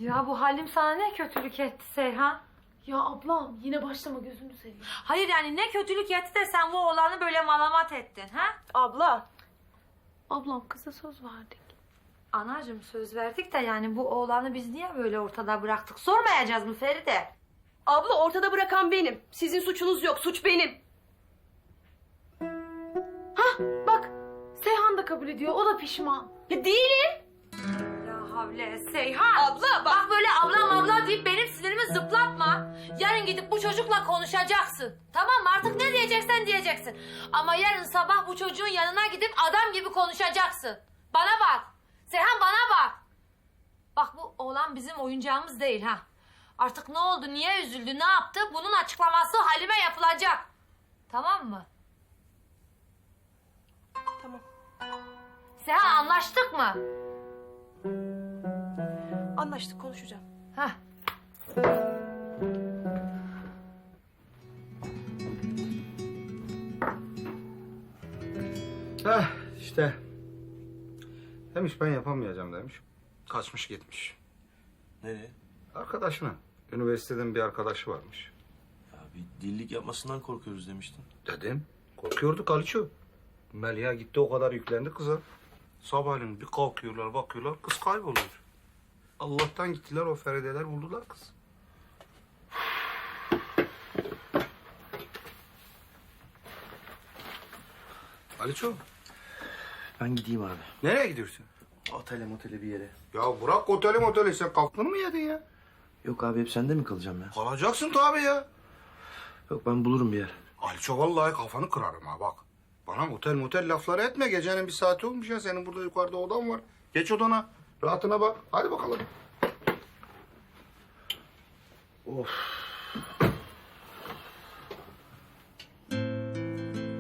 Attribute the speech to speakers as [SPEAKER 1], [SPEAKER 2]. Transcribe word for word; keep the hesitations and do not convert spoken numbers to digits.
[SPEAKER 1] Ya bu halim sana ne kötülük etti Seyhan?
[SPEAKER 2] Ya ablam yine başlama gözünü seveyim.
[SPEAKER 1] Hayır yani ne kötülük etti de sen bu oğlanı böyle malamat ettin ha?
[SPEAKER 2] Abla. Ablam kıza söz verdik.
[SPEAKER 1] Anacığım söz verdik de yani bu oğlanı biz niye böyle ortada bıraktık? Sormayacağız mı Feride?
[SPEAKER 3] Abla ortada bırakan benim. Sizin suçunuz yok. Suç benim.
[SPEAKER 2] Hah bak Seyhan da kabul ediyor. O da pişman.
[SPEAKER 3] Ya değilim.
[SPEAKER 1] La havle Seyhan.
[SPEAKER 3] Abla bak.
[SPEAKER 1] Bak böyle ablam abla deyip benim sinirimi zıplatma. Yarın gidip bu çocukla konuşacaksın. Tamam mı? Artık ne diyeceksen diyeceksin. Ama yarın sabah bu çocuğun yanına gidip adam gibi konuşacaksın. Bana bak. Seyhan bana bak. Bak bu oğlan bizim oyuncağımız değil ha. Artık ne oldu, niye üzüldü, ne yaptı? Bunun açıklaması Halime yapılacak. Tamam mı?
[SPEAKER 3] Tamam.
[SPEAKER 1] Seyhan anlaştık mı?
[SPEAKER 3] Anlaştık, konuşacağım.
[SPEAKER 1] Hah.
[SPEAKER 4] Heh işte. Demiş ben yapamayacağım demiş. Kaçmış gitmiş.
[SPEAKER 5] Nereye?
[SPEAKER 4] Arkadaşına. Üniversiteden bir arkadaşı varmış.
[SPEAKER 5] Ya bir dillik yapmasından korkuyoruz demiştin.
[SPEAKER 4] Dedim. Korkuyorduk Aliço. Melia gitti o kadar yüklendi kıza. Sabahleyin bir kalkıyorlar bakıyorlar kız kayboluyor. Allah'tan gittiler o Ferideler buldular kız. Aliço.
[SPEAKER 5] Ben gideyim abi.
[SPEAKER 4] Nereye gidiyorsun?
[SPEAKER 5] Otele motele bir yere.
[SPEAKER 4] Ya bırak oteli moteli sen kalktın mı yedin ya?
[SPEAKER 5] Yok abi hep sende mi kalacağım ya?
[SPEAKER 4] Kalacaksın tabii ya.
[SPEAKER 5] Yok ben bulurum bir yer.
[SPEAKER 4] Aliço vallahi kafanı kırarım ha bak. Bana motel motel lafları etme. Gecenin bir saati olmuş ya. Senin burada yukarıda odan var. Geç odana. Rahatına bak. Hadi bakalım.
[SPEAKER 5] Of.